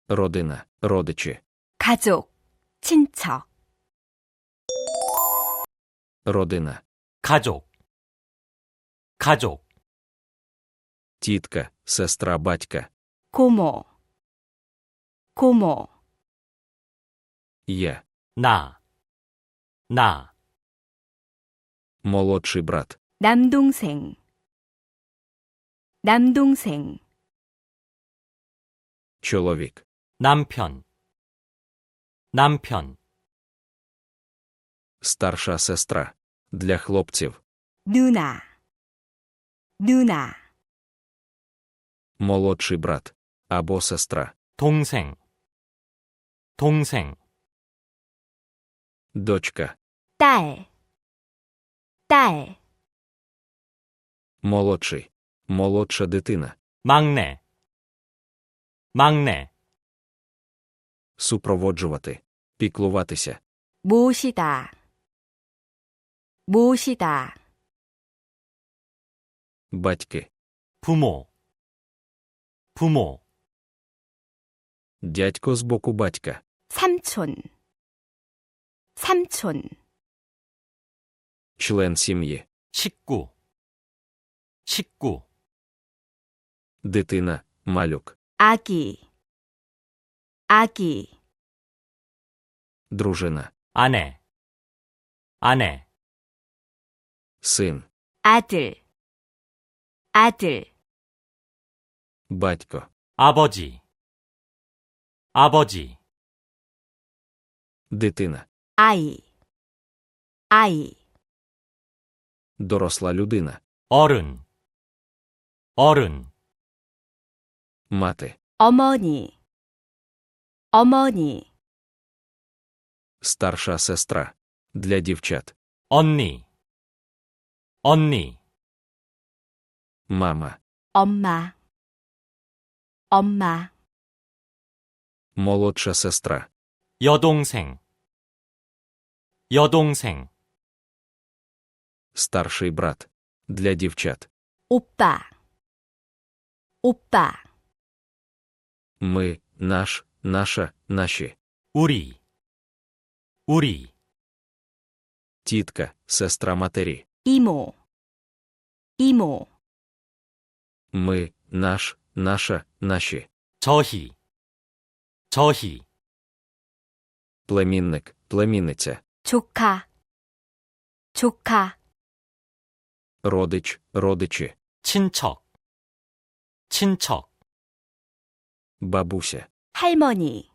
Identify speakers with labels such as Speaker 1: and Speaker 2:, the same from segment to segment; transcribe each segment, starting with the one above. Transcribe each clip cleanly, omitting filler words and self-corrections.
Speaker 1: родина, родичі,
Speaker 2: 가족, 친척.
Speaker 1: родина,
Speaker 3: 가족, 가족,
Speaker 1: тітка, сестра батька,
Speaker 2: 고모, 고모.
Speaker 1: я,
Speaker 3: 나,
Speaker 1: молодший брат,
Speaker 2: 남동생, 남동생.
Speaker 1: чоловік,
Speaker 3: 남편, 남편,
Speaker 1: старша сестра, для хлопців,
Speaker 2: 누나, 누나.
Speaker 1: молодший брат або сестра,
Speaker 3: 동생, 동생,
Speaker 1: дочка,
Speaker 2: 딸, 딸.
Speaker 1: молодший, молодша дитина,
Speaker 3: 막내, 막내,
Speaker 1: супроводжувати, піклуватися,
Speaker 2: 모시다, 모시다.
Speaker 1: батьки,
Speaker 3: 부모, 부모,
Speaker 1: дядько з боку батька,
Speaker 2: 삼촌, 삼촌.
Speaker 1: член сім'ї,
Speaker 3: 식구, 식구,
Speaker 1: дитина, малюк,
Speaker 2: 아기, 아기.
Speaker 1: дружина,
Speaker 3: 아내, 아내,
Speaker 1: син,
Speaker 2: 아들, 아들.
Speaker 1: батько,
Speaker 3: 아버지, 아버지,
Speaker 1: дитина,
Speaker 2: 아이, 아이.
Speaker 1: доросла людина,
Speaker 3: 어른, 어른,
Speaker 1: мати,
Speaker 2: 어머니, 어머니.
Speaker 1: старша сестра, для дівчат,
Speaker 3: 언니, 언니,
Speaker 1: мама,
Speaker 2: 엄마, 엄마.
Speaker 1: молодша сестра,
Speaker 3: 여동생, 여동생,
Speaker 1: старший брат, для дівчат,
Speaker 2: 오빠, 오빠.
Speaker 1: ми, наш, наша, наші,
Speaker 3: 우리, 우리,
Speaker 1: тітка, сестра матері,
Speaker 2: 이모, 이모.
Speaker 1: ми, наш, наша, наші,
Speaker 3: 저희, 저희,
Speaker 1: племінник, племінниця,
Speaker 2: 조카, 조카.
Speaker 1: родич, родичі,
Speaker 3: 친척, 친척,
Speaker 1: бабуся,
Speaker 2: 할머니,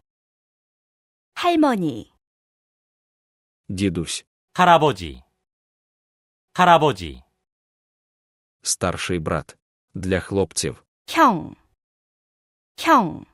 Speaker 2: 할머니.
Speaker 1: дідусь,
Speaker 3: 할아버지, 할아버지,
Speaker 1: старший брат, для хлопців,
Speaker 2: 형, 형.